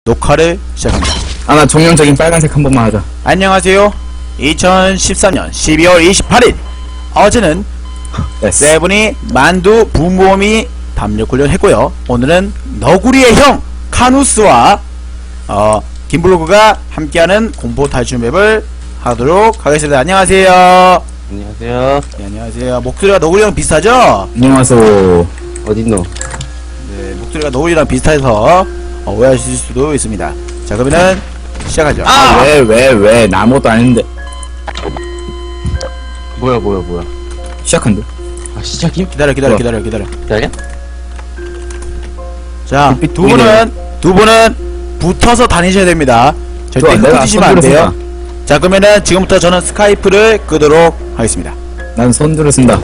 녹화를 시작합니다. 아, 나 정형적인 빨간색 한 번만 하자. 안녕하세요. 2013년 12월 28일 어제는 됐어. 세븐이 만두 붐범이 담력훈련 했고요. 오늘은 너구리의 형 카누스와 김블로그가 함께하는 공포 탈출 맵을 하도록 하겠습니다. 안녕하세요. 안녕하세요. 네, 안녕하세요. 목소리가 너구리 형 비슷하죠? 안녕하세요. 어딨노? 네, 목소리가 너구리랑 비슷해서 오해하실 수도 있습니다. 자, 그러면은 시작하죠. 왜, 나 아무것도 안 했는데. 뭐야. 시작한대. 아, 시작임? 기다려. 기다려? 자, 빛 두 분은 붙어서 다니셔야 됩니다. 절대 좋아, 내가 흩어지시면 안 손들어 돼요. 자, 그러면은 지금부터 저는 스카이프를 끄도록 하겠습니다. 난 손들어 쓴다.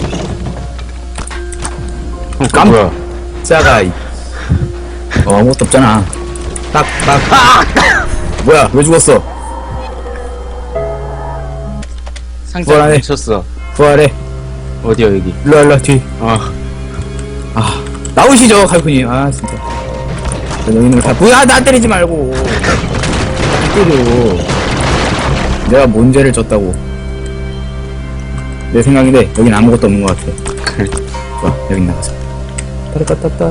뭐야? 깜짝아. 아무것도 없잖아. 딱. 뭐야, 왜 죽었어? 상자 부활해. 묻혔어. 부활해. 어디야, 여기? 일로, 뒤. 아, 나오시죠, 칼군님. 아, 진짜. 너희는 다, 뭐야, 나 때리지 말고. 때려. 내가 뭔 죄를 졌다고. 내 생각인데, 여긴 아무것도 없는 것 같아. 그래. 좋아, 여긴 나가자. 따라따따따.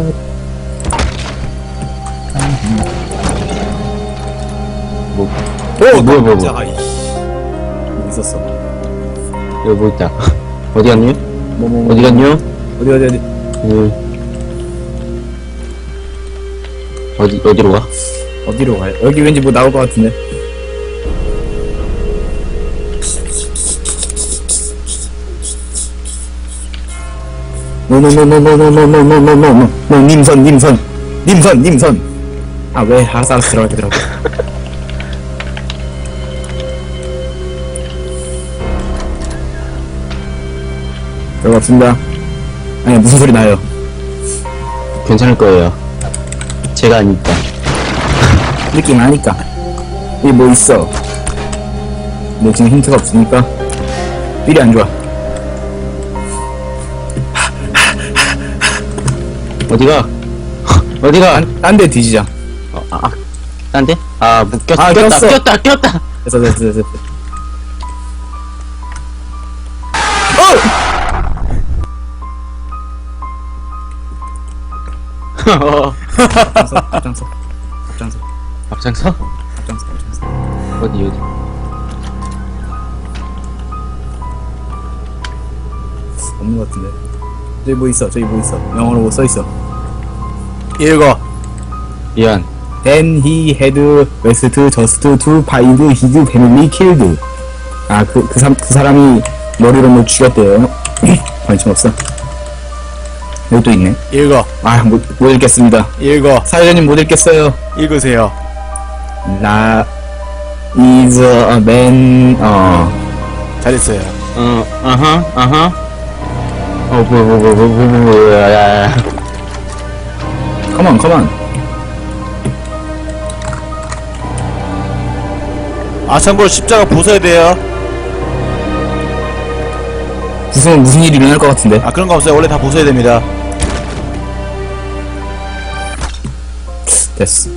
뭐야. 깜짝아, 이씨. 뭐 있었어. 여기 뭐 있다. 어디 갔니? 뭐. 어디 갔냐? 어디. 어디로 가? 어디로 가요? 여기 왠지 뭐 나올 것 같은데. 노 님선. 아, 왜 알았어 들어가더라고. 들어갔습니다. 아니, 무슨 소리 나요? 괜찮을 거예요. 제가 아니까. 느낌 아니까. 여기 뭐 있어? 근데 지금 힌트가 없으니까 삘이 안 좋아. 어디가? 어디가? 딴 데 뒤지자. 딴 데? 아, 아, 꼈어. 꼈다. 됐어. 앞장서. 앞장서? 어디? 없는 것 같은데. 저기 뭐 있어. 영어로 뭐 써있어. 읽어. 미안. Then he had west just to find his family killed. 아, 그 사람이 머리로 뭐 죽였대요. 관심 없어. 여기 또 있네. 읽어. 아, 못 읽겠습니다. 읽어. 사회자님 못 읽겠어요. 읽으세요. La is a man. 잘했어요. 아하. 뭐야. Come on. 아, 참고로 십자가 보셔야 돼요. 무슨 일이 일어날 것 같은데. 아, 그런 거 없어요. 원래 다 보셔야 됩니다. 됐어.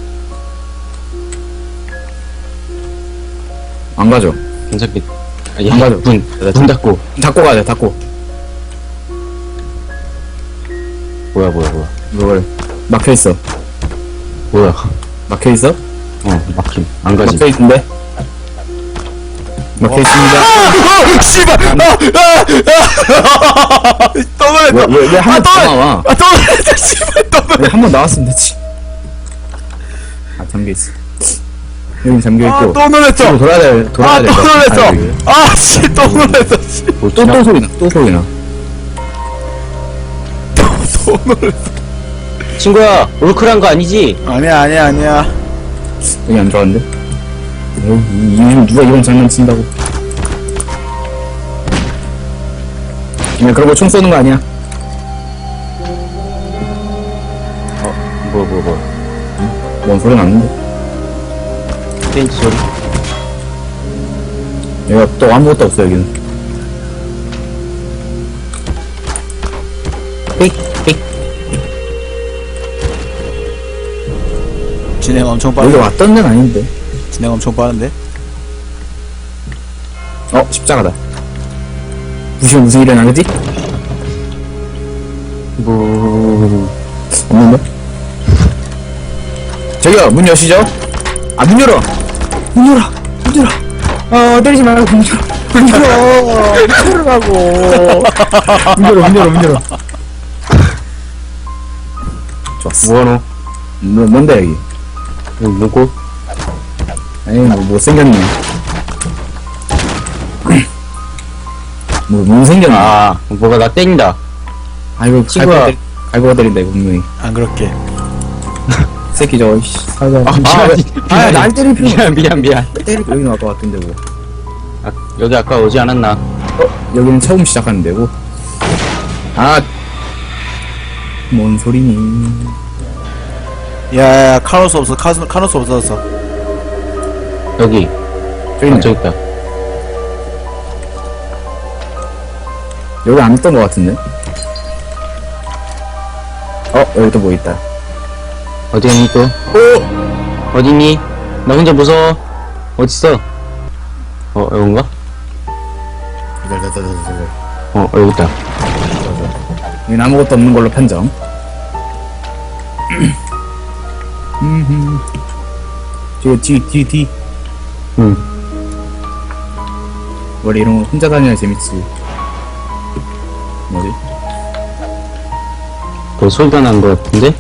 안 가죠. 괜찮겠. 안 가죠. 문 닫고. 닫고 가자. 뭐야. 이걸 막혀있어. 뭐야. 막혀있어? 막힘. 안 가지. 막혀있는데? 막혀있습니다. 씨발! 또 놀랬다! 왜 한 번 더 나와? 또 놀랬다! 씨발! 또 놀랬다! 왜 한 번 나왔으면 됐지. 아, 잠겨있어. 여기 잠겨있고. 또 놀랬죠? 뒤로 돌아야 돼. 또 놀랬어! 아, 씨! 또 놀랬어! 씨! 또 소리 나. 또 놀랬어! 친구야, 올클한 거 아니지? 아니야. 여기 안 좋아하는데? 요즘 누가 이런 장난 친다고. 그냥 그러고 총 쏘는 거 아니야? 뭐. 뭔 소리 났는데? 벤치 소리. 여기가 또 아무것도 없어, 여기는. 삑. 진행 엄청 여기 빠른데. 왔던 데는 아닌데. 진행 엄청 빠른데. 십자가다. 부시면 무슨 일이 나겠지? 뭐 없는데? 저기요, 문 여시죠? 아, 문 열어! 문 열어! 문 열어! 때리지 말고 문 열어! 문 열어! 문 열으라고! 문 열어, 문 열어, 문 열어. 좋았어. 뭐하노? 뭔데, 여기? 여기 누구? 에이, 못생겼네. 못생겼네. 뭐가 나 땡긴다. 아이고, 친구야. 갈고가 때린다, 이거 분명히. 안 그렇게. 새끼 저거, 씨, 사자. 미안. 날 때릴 필요 미안. 때릴 여기 나올 것 같은데, 뭐. 여기 아까 오지 않았나? 여기는 처음 시작하는 데고. 뭔 소리니? 야, 카노스 없어. 카노스 없어졌어. 여기. 저기 있네. 저기 있다. 여기 안 있던 것 같은데? 여기 또 뭐 있다. 어디 있니 또? 어디 있니? 나 혼자 무서워. 어딨어? 여긴가? 여기 있다. 여긴 아무것도 없는 걸로 판정. 저기 뒤. 응. 원래 이런 거 혼자 다녀야 재밌지. 뭐지? 거기 소리가 나는 것 같은데?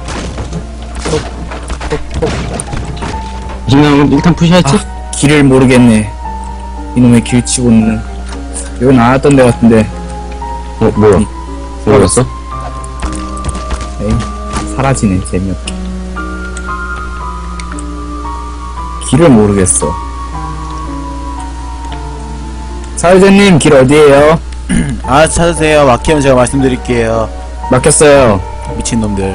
일단 푸셔야지. 길을 모르겠네. 이놈의 길 치고 있는. 여기 나왔던 데 같은데. 뭐야? 뭐였어? 에이, 사라지네, 재미없게. 길을 모르겠어. 사회자님, 길 어디에요? 아, 찾으세요. 막히면 제가 말씀드릴게요. 막혔어요. 미친놈들.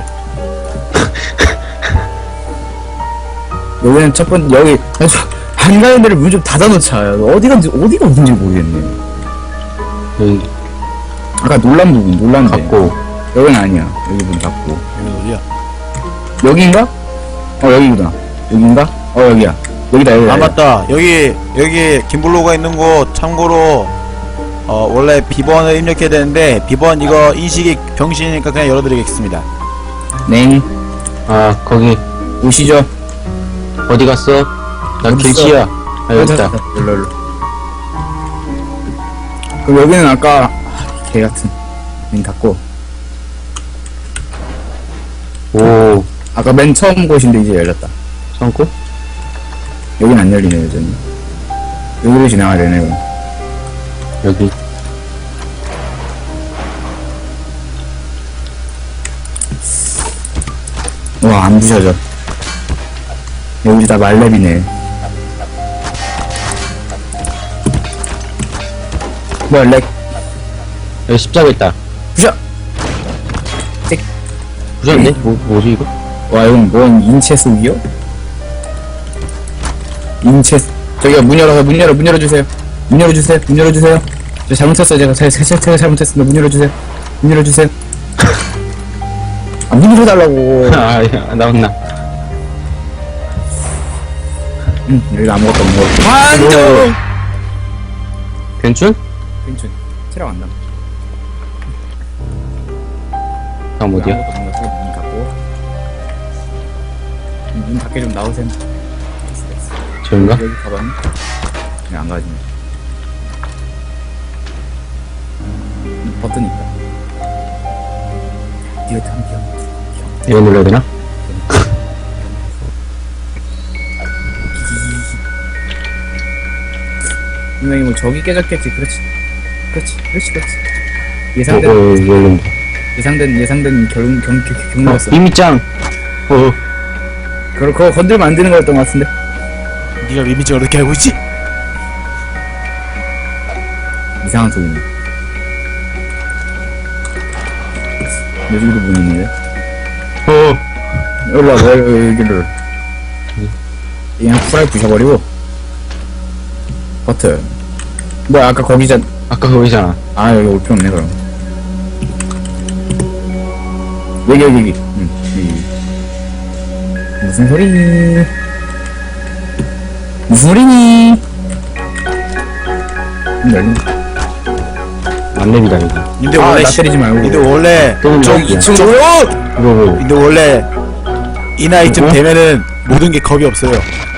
여기는 첫 번째, 여기, 안 가는 데를 문 좀 닫아놓자. 어디가 어딘지 모르겠네. 여기 아까 놀란데. 갖고. 여긴 아니야. 여기 문 닫고. 여기 어디야? 여기인가? 여기구나. 여기인가? 여기야. 여기다. 아, 맞다. 여기 김블로가 있는 곳, 참고로, 원래 비번을 입력해야 되는데, 비번 이거 인식이 병신이니까 그냥 열어드리겠습니다. 네. 거기. 오시죠. 어디 갔어? 나 어딨어? 길치야. 여기 있다. 일로. 그럼 여기는 아까, 개 같은. 문 닫고. 오. 아까 맨 처음 곳인데 이제 열렸다. 참고? 여긴 안 열리네, 여전히. 여기로 지나가야 되네, 그럼. 여기. 와, 안 부셔져. 여기 다 말렙이네. 뭐야, 렉. 여기 십자가 있다. 부셔! 부셨는데? 뭐지 이거? 와, 이건 뭔 인체 속이요? 저기요, 문 열어주세요. 문 열어주세요. 저 잘못했어요, 제가 잘못했습니다. 문 열어주세요. 문 열어달라고. 야, 나왔나? 여기 아무것도 없는 거. 반전! 괜춘? 괜찮. 체력 안 나. 다음 어디야? 아무것도 없는 거 문 닫고. 문 닫게 좀 나오세요. 저긴가? 여기 가봤니? 그냥 안 가지네. 버튼 있다. 이거 참 귀여워. 이거 눌러야 되나? 분명히 뭐 저기 깨졌겠지. 그렇지. 열린다. 예상된 경로였어. 이미짱! 그거 건들면 안 되는 거였던 것 같은데. 네가 리미지 어떻게 알고 있지? 이상한 소리네. 여기도 문 있는데. 일로 와봐, 여기를. 그냥 후라이 부셔버리고. 버튼. 뭐야, 아까 거기잖아. 아까 거기잖아. 여기 올 필요 없네, 그럼. 여기. 여기. 무슨 소리니? 무슨 소리니? 열린. 만렙이다 이거. 근데 아, 원래 나 때리지 말고. 근데 원래 또 좀 이거 친구. 근데 원래 이 나이쯤 어? 되면은 모든 게 겁이 없어요.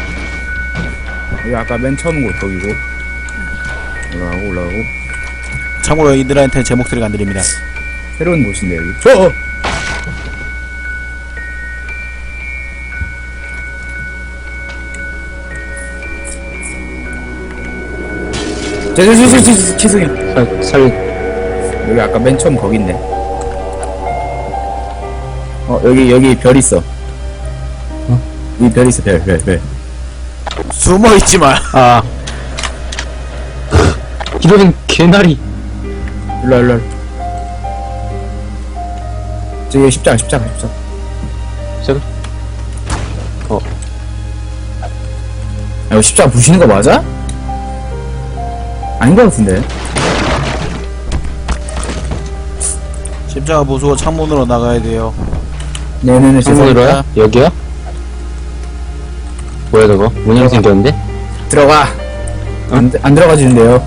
여기 아까 맨 처음 곳 거기고. 올라가고. 참고로 이들한테 제 목소리가 안 들립니다. 새로운 곳인데 여기. 죄송해요. 여기 아까 맨 처음 거긴데. 여기 별 있어. 여기 별 있어, 별. 숨어 있지 마. 아. 이런 개나리. 일로. 저기 십자가. 시작. 이거 십자가 부시는 거 맞아? 아닌 것 같은데. 십자가 보수고 창문으로 나가야 돼요. 네네네, 창문으로요? 여기요? 뭐야 저거? 문양 생겼는데? 들어가. 안 들어가지는데요.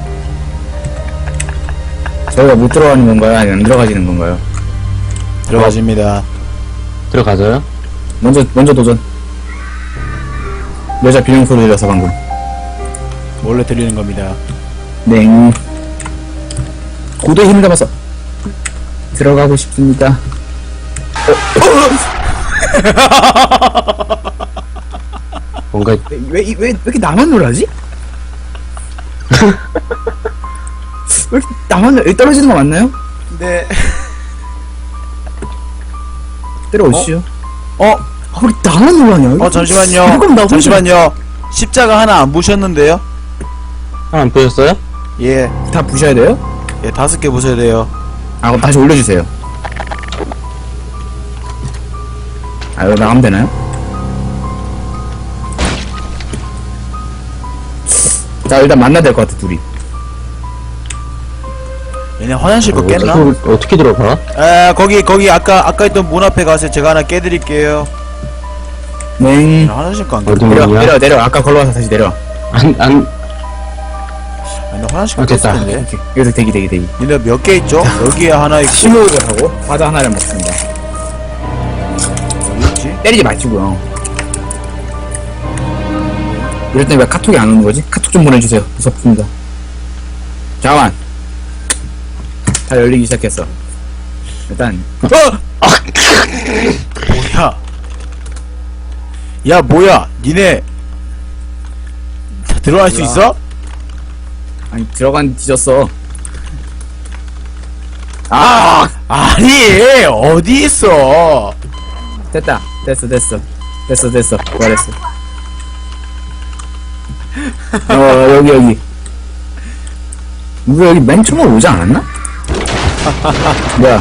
저희가 못 들어가는 건가요? 아니면 안 들어가지는 건가요? 들어가집니다. 들어가져요? 먼저 도전. 여자 비명 소리 들려서 방금. 몰래 들리는 겁니다. 냉. 고도의 힘을 담아서 들어가고 싶습니다. 뭔가 왜 이렇게 나만 놀라지? 왜 이렇게 나만 여기 떨어지는 거 맞나요? 네. 때려오시죠. 왜 나만 놀라냐? 잠시만요. 그럼 나 혼자- 잠시만요. 십자가 하나 안 부셨는데요? 하나 안 보셨어요? 예. 다 부셔야 돼요? 예, 5개 부셔야 돼요. 그럼 다시 올려주세요. 이거 나가면 되나요? 자, 일단 만나야 될 것 같아, 둘이. 얘네 화장실 거 깼나? 어떻게 들어가? 거기 아까 있던 문 앞에 가서 제가 하나 깨드릴게요. 냉. 화장실 거 안 어디 깼나? 문이야? 내려. 아까 걸어와서 다시 내려. 안 나 화장실 거 됐다. 깼을 텐데. 여기서 대기. 얘네 몇 개 있죠? 여기에 하나 있고. 심호흡을 하고 과자 하나를 먹습니다. 어디 있지? 때리지 마시고요. 이럴 때 왜 카톡이 안 오는 거지? 카톡 좀 보내주세요. 무섭습니다. 잠깐만. 다 열리기 시작했어. 일단 뭐야? 야, 뭐야? 니네 다 들어갈 수 뭐야? 있어? 아니 들어간 뒤졌어. 아니, 어디 있어? 됐다. 됐어. 부활했어. 여기. 누구 여기 맨 처음에 오지 않았나? 뭐야?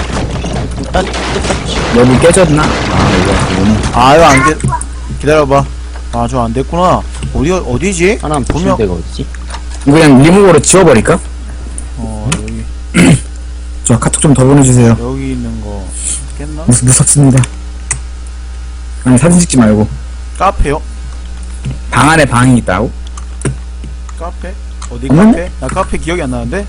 여기 깨졌나? 이거 안 돼. 기다려봐. 저 안 됐구나. 어디지? 하나 안 보시는 데가 어디지? 이거 그냥 리무버로 지워버릴까? 여기. 저 카톡 좀 더 보내주세요. 여기 있는 거 깼나? 무섭습니다. 아니 사진 찍지 말고 카페요? 방 안에 방이 있다고? 카페? 어디 어머? 카페? 나 카페 기억이 안 나는데?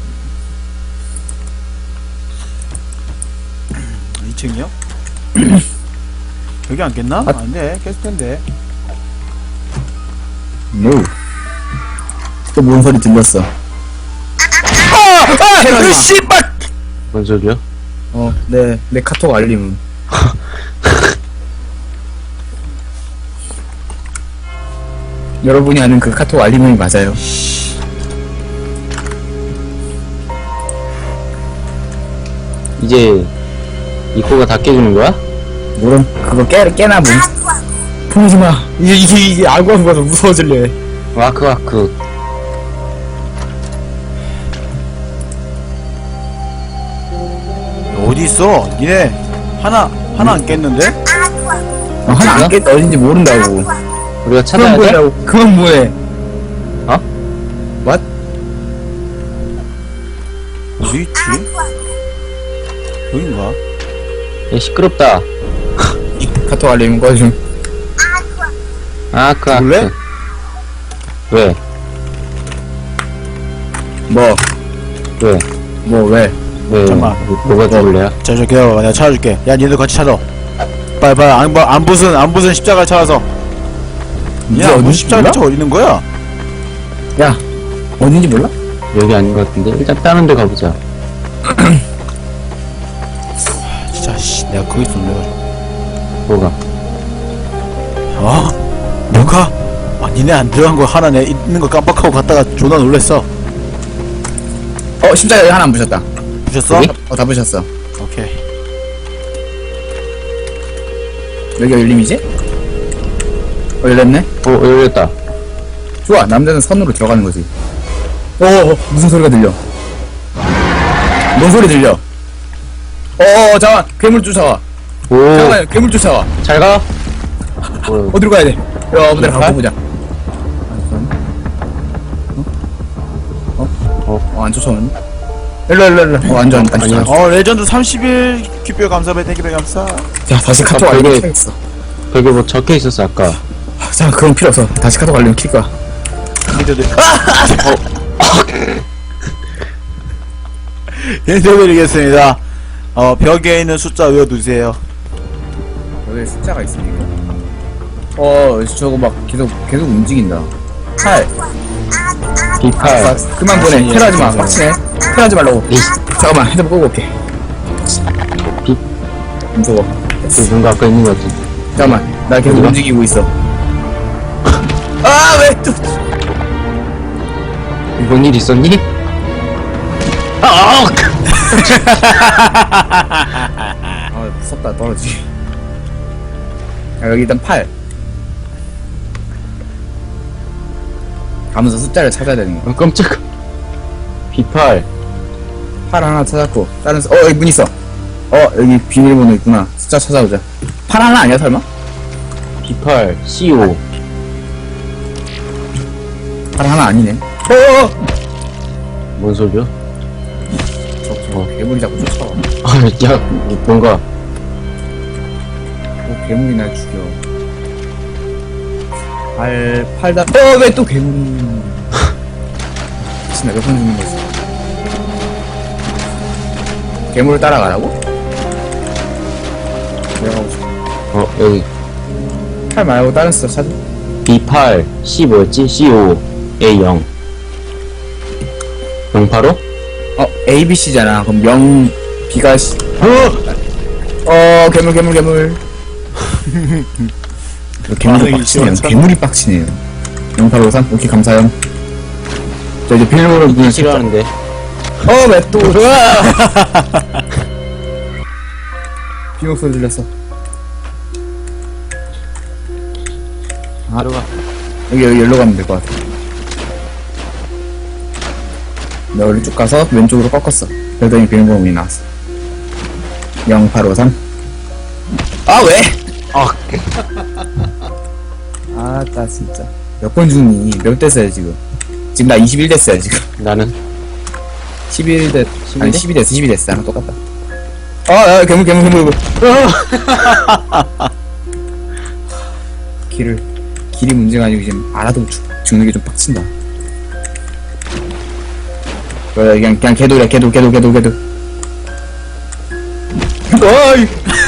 2층이요? 여기 안 깼나? 안돼, 깼을 텐데. No. 또 뭔 소리 들렸어? 씨발! 뭔 소리야? 내 카톡 알림. 여러분이 아는 그 카톡 알림이 맞아요. 이제 이 코가 다 깨주는 거야? 모름 그거 깨나 뭐. 보지 마. 이게 알고 한 거서 무서워질래. 와크. 어디 있어? 니네 하나 안 깼는데? 하나 안 깼다 어딘지 모른다고. 우리가 찾아야 돼? 그건 뭐해? What? 어디 있지? 여긴가? 야, 시끄럽다. 카톡 알림 꺼줌. 아크 죽을래? 아크. 왜? 뭐, 왜? 왜? 왜? 잠깐만. 뭐가 죽을래요? 자, 저 기다려봐. 내가 찾아줄게. 야, 니들 같이 찾아. 빨리, 안 부순 십자가를 찾아서. 이게 야, 뭐 어딘지 십자가 몰라? 대체 어디 있는 거야? 야, 어딘지 몰라? 여기 아닌 것 같은데? 일단 다른 데 가보자. 진짜, 씨, 내가 거기 있었네. 뭐가? 뭐가? 니네 안 들어간 거 하나 내 있는 거 깜빡하고 갔다가 존나 놀랬어. 십자가 여기 하나 안 부셨다. 부셨어? 여기? 다 부셨어. 오케이. 여기가 열림이지? 열렸네? 열렸다. 좋아, 남자는 선으로 들어가는 거지. 무슨 소리가 들려? 뭔 소리 들려? 잠깐만, 괴물 쫓아와. 오, 잠깐만, 괴물 쫓아와. 잘 가? 어디로 가야 돼? 어디로 가고 보자. 안 쫓아오네. 일로. 완전 다시. 아니야. 레전드 31 큐뼈 감사배 땡큐배 감사. 자, 다시 카톡 벽에- 알림 켜야겠어. 벽에 뭐 적혀 있었어, 아까. 자, 그건 필요 없어. 다시 카톡 알림 킬 거야. 니들들. 인터드리겠습니다. 벽에 있는 숫자 외워두세요. 여기 숫자가 있습니까? 저거 막 계속 움직인다. 8. B8. 그만 보내. 테러하지 마. 빡치네. 테러하지 말라고. 잠깐만, 핸드폰 끄고 올게. 비- 무서워. 뭔가 아까 있는 것 같지? 잠깐만, 나 계속 어디가? 움직이고 있어. 왜 또? 뭔 일 있었니? 아! 무섭다, 떨어지기. 여기 일단 8. 가면서 숫자를 찾아야 되는 거야. 깜짝. B8. 8 하나 찾았고, 다른, 여기 문 있어. 여기 비밀번호 있구나. 숫자 찾아보자. 8 하나 아니야, 설마? B8. CO. 8 하나 아니네. 뭔 소리야? 괴물이 자꾸 쫓아와. 야, 뭔가. 괴물이 날 죽여. 8다. 왜 또 괴물이. 진짜 몇번 죽는 거지? 괴물을 따라가라고? 내가 가고 싶어. 여기. 8 말고 다른 숫자 찾아. B8. C 뭐였지? CO. A0. 085? ABC잖아. 그럼 0, B가 C. 괴물. 괴물이 빡치네요. 괴물이 빡치네요. 0853, 오케이, 감사해요. 자, 이제 비밀번호 문을 싫어하는데. 왜 또, 비명 소리 들렸어. 들어가. 여기 열로 가면 될 것 같아. 나 여기 쭉 가서 왼쪽으로 꺾었어. 그러더니 비밀번호 문이 나왔어. 0853. 왜? 나 진짜. 몇 번 죽니? 몇 됐어요, 지금? 지금 나 21 됐어요, 지금. 나는 11 됐, 아니, 11 12 됐어, 12 됐어. 나랑 똑같다. 괴물. 길이 문제가 아니고 지금 알아도 죽는 게 좀 빡친다. 그냥 개돌이야, 개돌. 어이!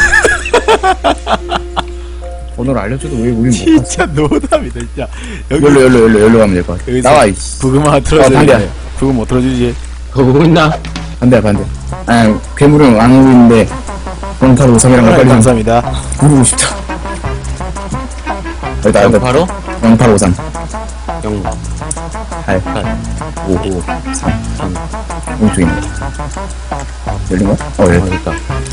번호를 알려줘도 왜 우린 못 갔어? 진짜 노답이다, 진짜. 여기 열로 가면 될 것 같아. 여기서 나와, 부금 하나 틀어줘야 반대야. 돼. 부금 못 틀어주지. 보고 있나? 반대. 괴물은 안 오고 있는데, 0853이랑 빨리 좀 감사합니다. 부르고 싶다. 여기다, 085? 0853. 0, 8, 5, 5. 3. 오른쪽에 있네. 열린 거야? 열렸다.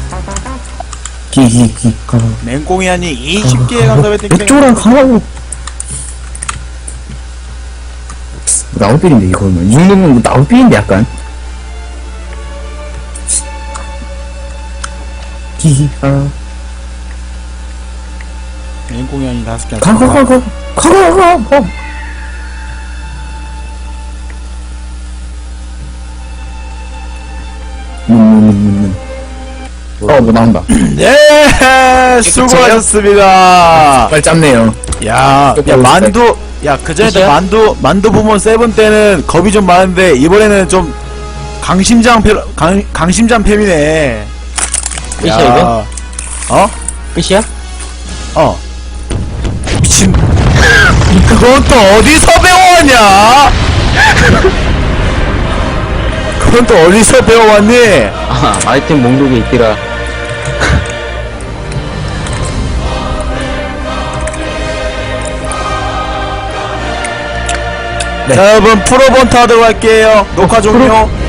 가. 맹꽁이 아니 20개의 감사배 땡큐배. 이쪽으로 가라고. 나올빌인데, 이거는. 이 정도면 나올빌인데, 약간. 가. 맹꽁이 아니 5개. 가. 문. 뭐 나온다. 네, 수고하셨습니다. 빨리 짧네요. 야, 만두, 야, 그전에 때 끝이야? 만두 부문 세븐 때는 겁이 좀 많은데, 이번에는 좀 강심장 팸이네. 끝이야, 야. 이거? 어? 끝이야? 어. 미친. 그건 또 어디서 배워왔냐? 그건 또 어디서 배워왔니? 아, 아이템 목록에 있더라. 자, 여러분, 프로본트 하도록 할게요. 녹화 종료.